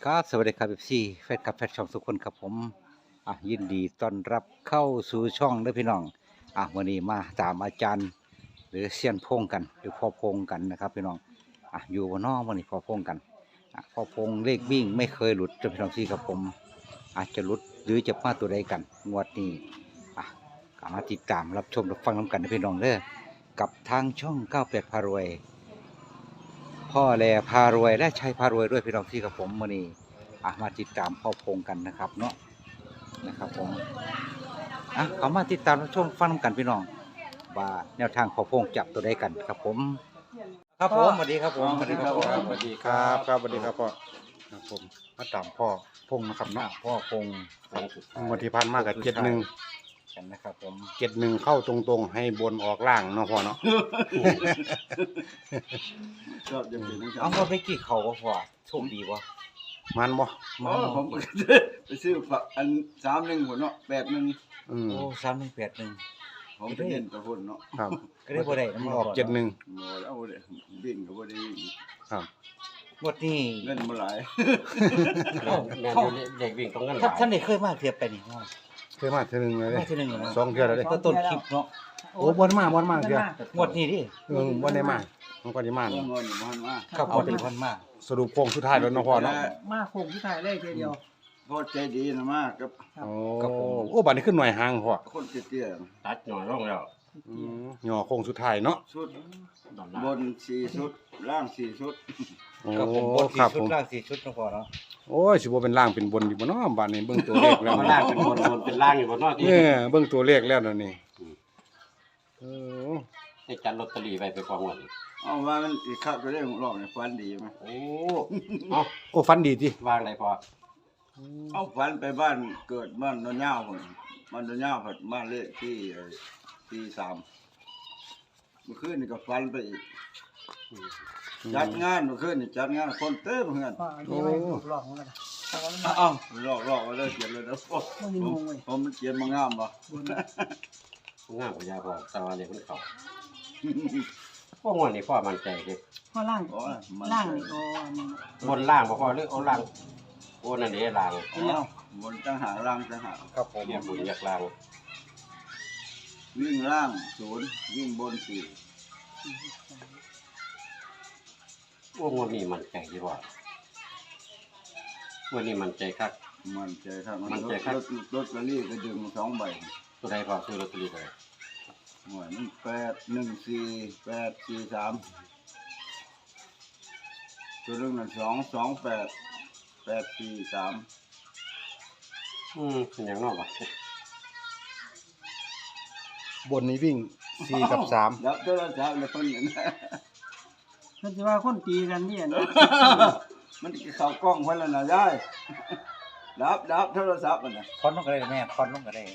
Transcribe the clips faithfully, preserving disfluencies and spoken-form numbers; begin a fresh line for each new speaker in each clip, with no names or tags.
ครับสวัสดีครับเอฟซีแฟนคลับแฟนช่องทุกคนครับผมอ่ะยินดีต้อนรับเข้าสู่ช่องเด้อพี่น้องอ่ะวันนี้มาตามอาจารย์หรือเซียนพงกันหรือพ่อพงกันนะครับพี่น้องอ่ะอยู่บนนอกวันนี้พ่อพงกันอ่ะพ่อพงเลขวิ่งไม่เคยหลุดจนพี่น้องที่ครับผมอาจจะหลุดหรือจะมาตัวใดกันงวดนี้อ่ะก็มาติดตามรับชมรับฟังน้ำกันนะพี่น้องเด้อกับทางช่องเก้าแปดพารวย พ่อแลพารวยและชัยพารวยด้วยพี่น้องที่กับผมวันนี้อ่ะมาติดตามพ่อพงกันนะครับเนาะนะครับผมอ่ะเขามาติดตามรับชมฟังกันพี่น้องว่าแนวทางพ่อพงจับตัวได้กันครับผมครับผมสวัสดีครับผม
สวัสดีครับ
สวัสดีครับ
ครับสวัสดีครับพ่อครับผมมาตามพ่อพงนะครับ
หน้า
เนาะ
พ่อพง
งวดที่ผ่านมากับเจ็ดหนึ่ง
กันนะครับผม
เจ็ดหนึ่งเข้าตรงๆ ให้บนออกล่างเนาะพ่อเนาะ
ชอบจะเป็น
เอาว่าไปกี่เขาก็พอโชคดีวะ
มันบ่
อ๋อผมไปซื้อฝักอันสามหนึ่งหัวเนาะแปดหนึ่ง
อืม
โอ้สามหนึ่งแปดหนึ่ง
ผมไปเห็นตะพุ่นเนาะ
ครับ
ก็ได้บ่ได้น้ำ
อ
อ
อ
อก ก
เจ็ดหนึ่ง
โอ้แล้วบ่ได้วิ่งก็บ่ได้วิ่ง
ครับ
งวดนี้
เล่นบ่หลาย
เอ้า
แม่น
เข้า
อยู่เด็กวิ่งตรงนั้นห
ท่าน
ลาย
ท่านได้เคยมาเทียบไปนี่เนาะ
เคยมาเทื่อหนึงเลยเด้
มาทีหนึงแล้วนะ
สองเทื่อแล้วเด้
ก็ต้นคลิปเนาะ
โอ้บ่ได้มาบ่ได้มาเทื่อง
วดนี้ดิ
เออบ่ได้มามันก็ได้มา
เงินเงินอยู่บ้านมา
ครับเอาเป็นพันมาก
สรุปโค้งสุดท้ายแล้วเนาะพ่อเนาะ
มาโคงที่ไทยเลยทีเดียว
พ่อใจดีนะมากกับ
โอ้โอ้บัดนี้ขึ้นหน่วยหางพ่อ
คนเตี้ย
ตัดหน่อยลงแล้ว
อืมย่อโค้งสุดท้ายเนาะ
ๆชุด
ดอน
บนสี่ชุดล่างสี่ชุด
โอ้
ครับผมบน
ครั
สี่
บ
ชุ
ผ
ด
ม
ล่างสี่ชุดนะพอเนาะ
โอ้ยสิบ่เป็นล่างเป็นบนอยู่บ่เนาะบัดนี้เบิ่งตัวเลขแล้ว
มันล่างเป็นบนบนเป็นล่างอยู่บนนอกที่
เออเบิ่งตัวเลขแล้วนั่นนี่เออ
ให้จัดลอตเตอรี่ไปไปกองเงิน
เอาว่ามันอีกครับก็ได้ของรอบเนี่ยฟันดีไหม
โอ้เอา
โอ้ฟันดีติ
วางได้พอ
เอาฟันไปบ้านเกิดบ้านนนยาวพุ่นบ้านนนยาวผัดบ้านเลขที่ที่สามเมื่อคืนนี่ก็ฟันไปอีก จัดงานเมื่อคืนนี่จัดงานคนเต้มเพื่อน
ก็อันนี้ไม่ถูกหลอกเหมือนกันแต่ว่ามัน
เอ้าลอกลอกมาเลยเขียนเลยนะผม
ไม่มีงงเลย
ผมมันเขียนมางามบ่
งามกว่ายาพอแต่ว่าเนี่ยมันเข่าพวกงวดนี่พ่อมันใจเด็ก
ข้อล่าง
โอ้ยมัน
ล่างนี่ก็อันนี้
บนล่างบ่พอหรือเอาล่างโอ้นั่นเด้ล่าง
เอ้าบนจังหากล่างจังหาก
ครับผม
เรียกบุญอยากล่าง
วิ่งล่างศูนย์วิ่งบนสี่
พวกงวดนี้มันใจที่ว่าวันนี้มันใจคัก
มันใจครับ
มันใจครับ
รถรถลอตเตอรี่ก็ดึงสองใบ
ตัวใดพอซื้อลอตเตอรี่ไป
หวยมันแปดหนึ่งสี่แปดสี่สามตัวเรื่องนั้นสองสองแปดแปดสี่สาม
อืมเป็นอย่างนอกวะ
บนนี้วิ่งสี่กับสาม
แล้วตัวละสามแล้วเพิ่นนั่นนะ
มันจะว่าคนตีกันนี่นะ
มันเข้ากล้องเพิ่นแล้วนะยายดับดับโทรศัพท์มันน่ะ
คอนลงก็ได้แม่คอนลงก็ได้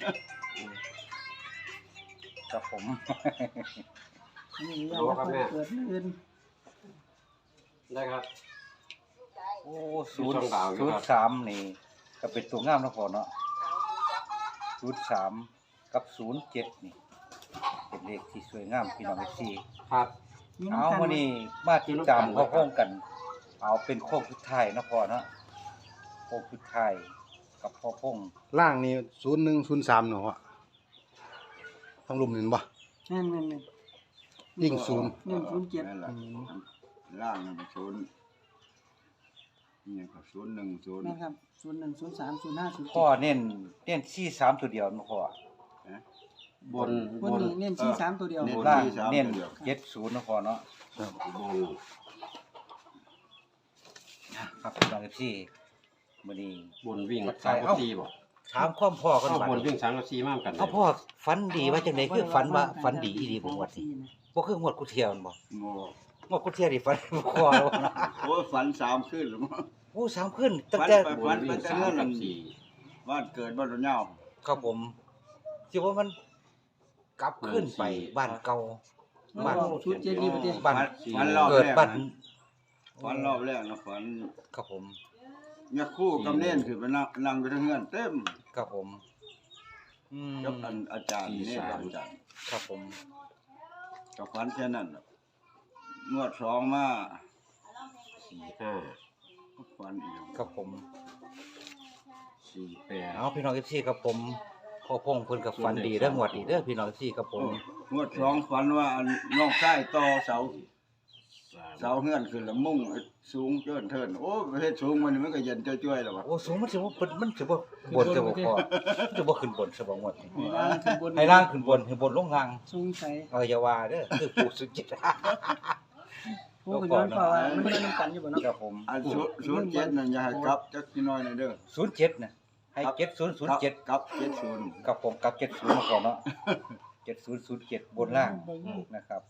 ครับผม
อันนี้ยังไม่ค่อยเกิดขึ้น
ได้ครับ
โอ้ศูนย์
ช่องดาวอยู่
ศูน
ครั
ย์
บ
สามนี่ก็เป็นตัวงามนะพอเนาะศูนย์สามกับศูนย์เจ็ดนี่เป็นเลขที่สวยงามพี่น้องเอฟซี
ครับ
มี
เอา
น้ำกัน
วันนี้มาติดตามเขาโค้งกัน เอาเป็นโค้งสุดท้ายนะพอเนาะโค้งสุดท้ายกับพ่อพง
ล่างนี่ศูนย์หนึ่งศูนย์สามเนาะพ่อทั้งลุมนี่บ่
แม่นแม่นแม่น
ยิ่งศูนย์
หนึ่งศูนย์เจ็ด
นั่นแหละล่างนั่นเป็นศูนย์นี่ก็ศูนย์หนึ่งศูนย์
แม่นครับศูนย์หนึ่งศูนย์สามศูนย์ห้าศูนย์
พ่อเน้นเน้นสี่สามตัวเดียวนะพ่อบ
น
บบ น
น
นี้เน้นสี่สามตัวเดียว
เน้น
ล่าง
สี่สาม
เน้น
ตัวเดียว
เจ็ดศูนย์นะพ่อเนาะ
บน
ครับพี่น้องเอฟซีวันนี้
บนวิ่งสามกับสี่บ่
ถามความพ่อกัน
เอา
บัด
บนวิ่งสามกับสี่มากกัน
เอาพ่อฝันดีว่าจังไดคือฝันว่าฝันดีอีดีบ่งวดนี้
นะ
บ่คือหวดกูเที่ยวนั่นบ่
โง่
งวดกูเที่ยวนี่ฝันบ่คอแล้วนะ
โอ้ยฝันสามขึ้นหรือมั้ง
โอ้สามขึ้นตั้ง
ฝัน
แต่
ไป
บนวิ่งสามกับสี่
บ้านเกิดบ้านระเนา
ครับผมสิว่ามันกลับขึ้นไปบ้านเก่าบ้าน
ชุดเจดีย์ประเทศ
บ้าน
ฝันรอบ
เกิด
แรก
บ้าน
นะฝันรอบแรกนะฝัน
ครับผม
เนี่ยคู่กับเน่นคือไปนั่งนั่งอยู่ทั้งเงื่อนเต็ม
ครับผมอืม
กับอันอาจารย์นี่กับอาจารย์
ครับผม
กับฝันแค่นั้นน่ะงวดสองมา
สี่ห้า
ฝันนอีก
ครับผม
สี่แปด
เอาพี่น้องเอฟซีครับผมพ่อพงเพิ่นกับฝันดีเด้อหมวดดีเด้อพี่น้องเอฟซีครับผม
งวดสองฝันว่าอันน้องชายต่อเสา
สาม
เสาเฮือนขึ้นแล้วมุ่งสูงเกินเทินโอ้เฮ็ดสูงมันมันก็เย็นจ้อยๆแล้วว่ะ
โอ้สูงมันสิบ่เพิ่นมันสิบ่บนจะบ่พอมันจะบ่ขึ้นบนซะบ่งวดนี้
ล่างขึ้นบน
ให้ล่างขึ้นบนให้บนลงล่าง
สูงใส่
เอออย่าว่าเด้อคือปู่สุจิต
ผู้ก็ย้อนเพราะว่ามันมันกันอยู่บ่เนาะ
ครับผม
อันศูนย์ศูนย์เจ็ดนั่นอย่าให้กลับจักนิดหน่อยหน่อยเด้อ
ศูนย์เจ็ดน่ะให้เจ็ดศูนย์ศูนย์เจ็ด
กลับเจ็ดศูนย์
กับผมกับเจ็ดศูนย์มาก่อนเนาะเจ็ดศูนย์ศูนย์เจ็ดบนล่างนะครับ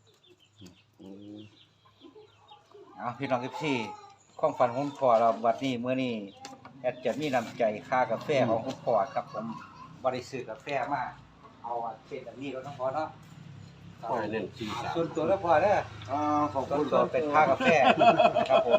เอาพี่น้องเอฟซีความฝันของคุณพ่อเราวันนี้เมื่อนี้แอดจะมีน้ำใจค่ากาแฟของคุณพ่อครับผมบริสุทธิ์กาแฟมาเอาเช่นแบบนี้เราต้องพอเนาะ
พ่อเน้นสี่สาม
ส่วนตัวแล้วพอเด้อ
อ่าขอบ
ส่ว
คุ
น
ณ
ตัวเป็นค่ากาแฟครับผม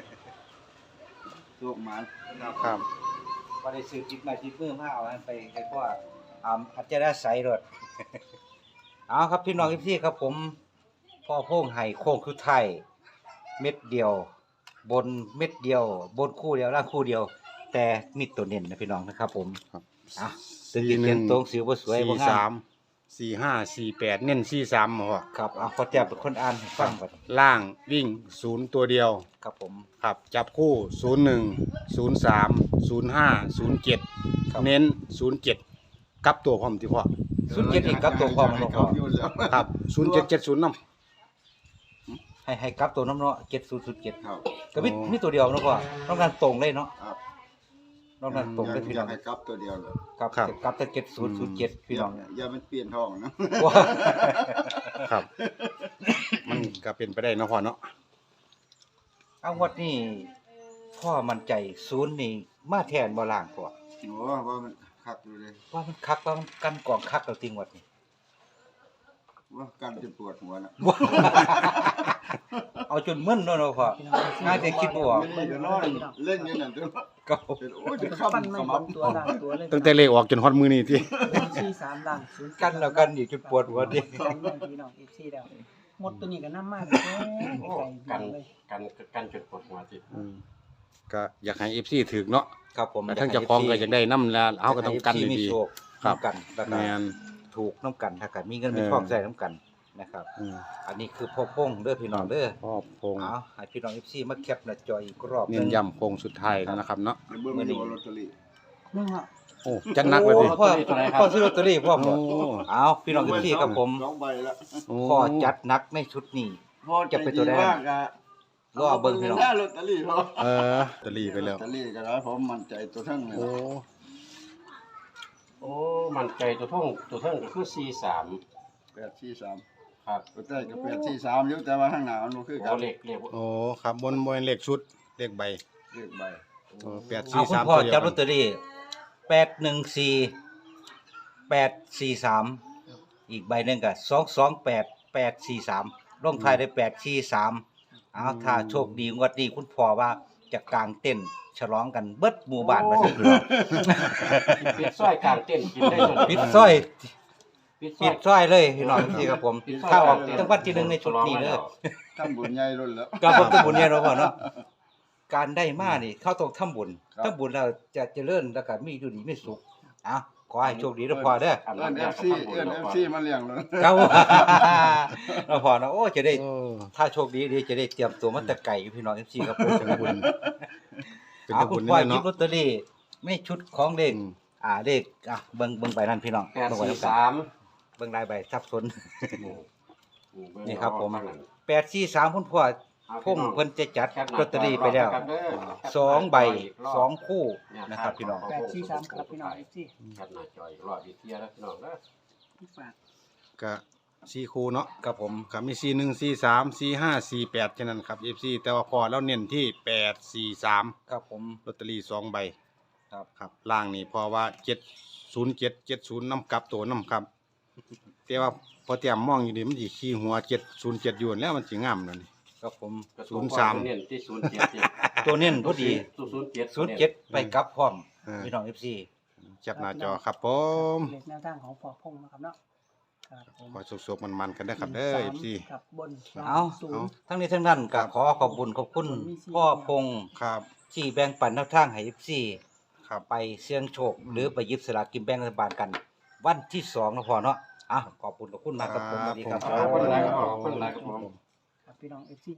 ลูกหมาน
ครับ
บริสุทธิ์จิตมาจิตมือมาเอาไปให้พ่ออ่าอาจจะได้ใส่รถ เอาครับพี่น้องพี่ครับผมพ่อโพ่งไห่โค้งคือไทยเม็ดเดียว บนเม็ดเดียว บนคู่เดียวล่างคู่เดียว แต่มีตัวเน้นนะพี่น้องนะครับผม
ครับ
อ่ะถึงจะเขียนตรงสิวบ่สวยบ่
สี่
งา
สาม มสี่ห้าสี่แปดเน้นสี่สามเหรอ
ครับเอาพอแจ้เป็นคนอ่านให้ฟังก่อน
ล่างวิ่งศูนย์ตัวเดียว
ครับผม
ครับจับคู่ศูนย์หนึ่งศูนย์สามศูนย์ห้าศูนย์เจ็ด
ครับ
เน้นศูนย์เจ็ดกับตัวพร้อมที่พ่อ
ศูนย์เจ็ดอีกกับตัวพร้อมมันบ่พอ
อยู่แล้ว
ครับศูนย์เจ็ดเจ็ดศูนย์น้
ให้ให้กับตัวน้ำเนาะเจ็ดศูนย์ศูนย์เจ็ด
ครับ
ก็มีมีตัวเดียวเนาะพ่อต้องการตรงเลยเนาะ
ครับ
ต้องการตรงเลยพี่
อ
น้
ยา
อก ง
ให้กลับตัวเดียวเลย
ครับกับแต่เจ็ดศูนย์ศูนย์เจ็ดพี่น้อง
อย่ามันเปลี่ยนท้องนะ
ว้า
ำครับ มันก็เป็นไปได้เนาะพ่อเนาะ
เอางวดนี้พ่อมั่นใจศูนย์นี่มาแทนบ่ล่างพ่อ
โอ้ว่ามันคักอยู่เลย
ว่ามันคักว่ามันกันกองคักเราจริงงวดนี้
ว่ากันจะปวดหัวนะ
ว้าเอาจนมึนเนาะเนาะพ่อ
พี่น้อง
ง่ายแต่คิดบ่ออก
ไม่ได้นอนเล่นอยู่นั่นจน
ก็
จนโอ้ยจะ
จะ
ข้าม
ปั้นไม่
ส
บ
มั
น
บ
ตัวล่างตัวเลย
ตั้งแต่เลขออกจนฮอดมือนี่ที่
สี่สามล่างศูนย์
กันแล้วกันอีกจนปวดหัวดิ
กันเลยพี่น้อง เอฟ ซี แล้วหมดตัวนี้ก็น้ำมากเลย
โอ้
ไก่
กัน
เลย
กันกันจุดปวดหัวติด
อืมก็อยากให้เอฟซีถึกเนาะ
ครับผม
แต่ทั้งเจ้าของก็อยากได้น้ำแล้วเอาก็ต้องกัน
ให้
ดี
มีโชค
ครับ
น้ำกันแล้ว
ๆ
ก็
แมน
ถูกน้ำกันถ้ากันมีเงินมี
เออ
ทองใส่น้ำกันนะครับ
อืม
อันนี้คือพ่อพงเด้อพี่น้องเด้อ
พ่อพง
เอาให้พี่น้อง เอฟ ซี มาแคปหน้าจออีกรอบห
เน้
นึ
น
ง
ย้ำโคงสุดท้ายแล้วนะครับเนาะ
ในเบื้องนี้ลอตเตอรี่
มึงอ่ะ
โอ้จัดหนักเลยดิ
โอ้พ่อพ่อซื้อลอตเตอรี่พ่อหมด
โอ้
เอาพี่น้อง เอฟ ซี ครับผม
สองใบละ
โอ้
พ่อจัดหนักในชุดนี้
พ่อ
จะเป็นตัวแดง
ว่ากะ
รอเบิ่งพี่น้อง
หน้าลอตเตอรี่พ่อ
เออตะลีไปแล้ว
ลอตเตอรี่ก็ได้ผมมั่นใจตัวทั้งเลย
โอ้
โอ้มันใจตัวท่องตัวท่องก็คือสี่สาม
แปดสี่สาม
ครับ
ตัวใต้ก็แปดสี่สามอยู่แต่ว่าข้างหน้ามันบ่คือกั
โอ้
น
เหล็กเหล็ก
โอ้ครับบนบนเลขชุดเลขใบ
เลขใบ
โอ้แปด
เอา
สี่
คุณ
สาม
พ่อ
ตัวเดียว
จับล
กั
อน ตเตอรี่แปดหนึ่งสี่แปดสี่สามอีกใบหนึ่งก็สองสองแปดแปดสี่สามลงท้ายด้วยแปดสี่สามเอาถ้าโชคดีงวดนี้คุณพ่อว่าจะกางเต้นฉลองกันเบิดหมู่บ้านมาสิพี่น้อง
ปิดสร้อยกลางเต้นกินได้จน
ปิดสร้อย
ปิดสร้
ปิ
อย
ดสร้อยเลยพี่น้องที่ครับผม
ปิดสร้อย
ถ้าออกจังหวัดที่หนึ่งในชุดนี้เลย
ทำบุญใหญ่รุ่นแล้ว
ก็ผมต้องบุญเนี่ยเราะพ่อเนาะการได้มานี่เข้าต้องทำบุญ
ครับ
ทำบุญแล้วจะเจริญแล้วก็มีอยู่ดีมีสุขอ่ะขอให้โชคดีนะพ่อเด้อ
ครับ
เอิ้น FC เอิ้น เอฟ ซีมาเลี้ยงเลย
ครับ เราพอเนาะโอ้จะได้
โอ้
ถ้าโชคดีเดี๋ยวจะได้เตรียมตัวมาแต่ไก่อยู่พี่น้อง เอฟ ซี ครับผม
เป็นบุญเป็น
เอา
บุ
คุ
ญ
ณ
นี่
พ่อ
แหละ
หยิบ
เนาะ
ลอตเตอรี่ในชุดของเลข
อืม
อ่าเลขอ่ะเบิ่งเบิ่งใบนั้นพี่น้อง
แปด
เบิ่งไว้
สี่
แล้วกัน
สาม
เบิ่งลายใบสับสน
นี่
นี่ครับผม
ข้างหลัง
แปดสี่สามคุณพ่อพงเพิ่นจะจัดลอตเตอรี่ไปแล้วสองใบสองคู่นะครับพี่น้อง
แปดสี่สามครับพี่น้อง เอฟ ซี
แคปหน้าจออีกรอบอีกเทียแล้วพี่น้องนะ
ฝาก
ก็สี่คู่เนาะ
ครับผม
ครับมีสี่หนึ่งสี่สามสี่ห้าสี่แปดแค่นั้นครับเอฟซีแต่ว่าพอแล้วเน้นที่แปดสี่สาม
ครับผม
ลอตเตอรี่สองใบ
ครับ
ครับล่างนี่เพอว่าเจ็ดศูนย์เจ็ดเจ็ดศูนย์น้ำกลับตัวน้ำครับแต่ว่าพอเตรียมมองอยู่นี่มันสิขี้หัวเจ็ดศูนย์เจ็ดอยู่แล้วมันสิงามแล้วนี่
ครับผม
ศูนย์สาม
เน้นที่ศูนย์เจ็ด
ตัวเน้นพอดี
ศูนย์เจ็ด
ศูนย์เจ็ดไปกลับพร้อม
เออ
พี่น้อง เอฟ ซี
จับหน้าจอครับผม
เลขแนวทางของปอพงนะครับเนาะครับผม
ขอสุกๆมันๆกันนะครับเด้อ เอฟ ซี
กับบนสม
เอา
ศูนย์
ทั้งนี้ทั้งนั้นก็ขอขอบคุญขอบคุณพ่อพงษ์
ครับ
ที่แบ่งปันแนวทางให้ เอฟ ซี
ครับ
ไปเสี่ยงโชค หรือไปหยิบสลากกินแบ่งรัฐบาลกัน วันที่สองนะพ่อเนาะอ่ะขอบคุณขอบคุณมากครับผมสวัสดีครับ
ครับ
ขอบคุณหลายครับผมขอบคุณหลายครับผม
ครับพี่น้องเอฟซี